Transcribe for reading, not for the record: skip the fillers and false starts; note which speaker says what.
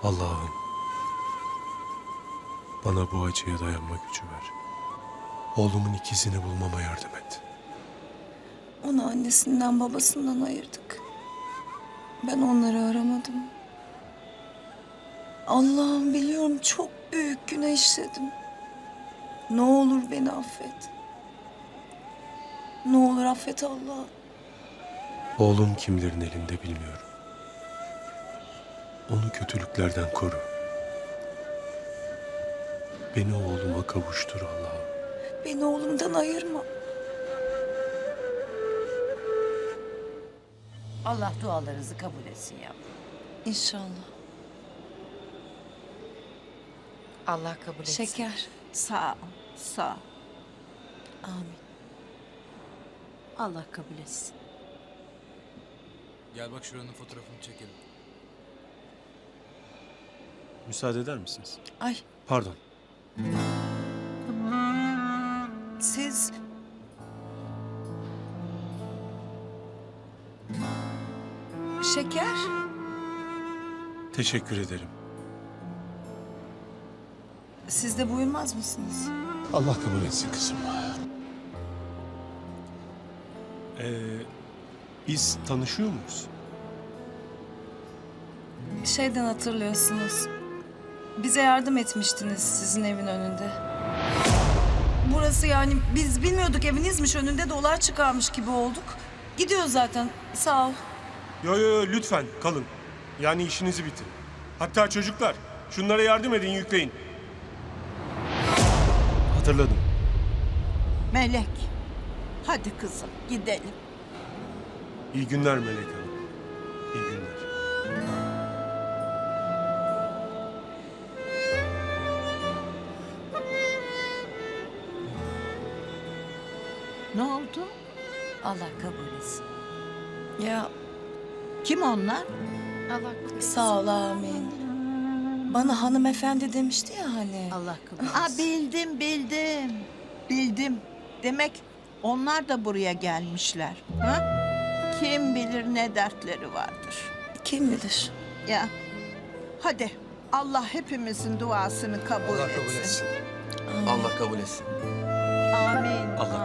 Speaker 1: Allah'ım, bana bu acıya dayanma gücü ver. Oğlumun ikizini bulmama yardım et.
Speaker 2: Onu annesinden babasından ayırdık. Ben onları aramadım. Allah'ım biliyorum çok büyük günah işledim. Ne olur beni affet. Ne olur affet Allah'ım.
Speaker 1: Oğlum kimlerin elinde bilmiyorum. Onu kötülüklerden koru. Beni oğluma kavuştur Allah'ım.
Speaker 2: Beni oğlumdan ayırma.
Speaker 3: Allah dualarınızı kabul etsin yavrum.
Speaker 2: İnşallah.
Speaker 4: Allah kabul etsin.
Speaker 2: Şeker.
Speaker 3: Sağ ol, sağ ol.
Speaker 2: Amin.
Speaker 3: Allah kabul etsin.
Speaker 5: Gel bak şuranın fotoğrafını çekelim.
Speaker 1: Müsaade eder misiniz?
Speaker 2: Ay
Speaker 1: Pardon.
Speaker 2: siz... Şeker.
Speaker 1: Teşekkür ederim.
Speaker 2: Siz de buyurmaz mısınız?
Speaker 1: Allah kabul etsin kızım. Biz tanışıyor muyuz?
Speaker 2: Şeyden hatırlıyorsunuz. Bize yardım etmiştiniz sizin evin önünde. Burası yani biz bilmiyorduk evinizmiş önünde dolar çıkarmış gibi olduk. Gidiyoruz zaten sağ ol.
Speaker 6: Yo lütfen kalın. Yani işinizi bitirin. Hatta çocuklar şunlara yardım edin, yükleyin.
Speaker 1: Hatırladım.
Speaker 3: Melek, hadi kızım gidelim.
Speaker 6: İyi günler Melek Hanım. İyi günler.
Speaker 3: Ne oldu? Allah kabul etsin.
Speaker 2: Ya
Speaker 3: Kim onlar?
Speaker 4: Allah kabul etsin.
Speaker 2: sağ ol amin. Bana hanımefendi demişti ya hani.
Speaker 3: Allah kabul etsin. Bildim. Demek onlar da buraya gelmişler. Ha? Kim bilir ne dertleri vardır.
Speaker 2: Kim bilir?
Speaker 3: Ya hadi Allah hepimizin duasını kabul
Speaker 7: Allah
Speaker 3: etsin.
Speaker 7: kabul etsin. Allah kabul etsin.
Speaker 3: Amin.
Speaker 1: Allah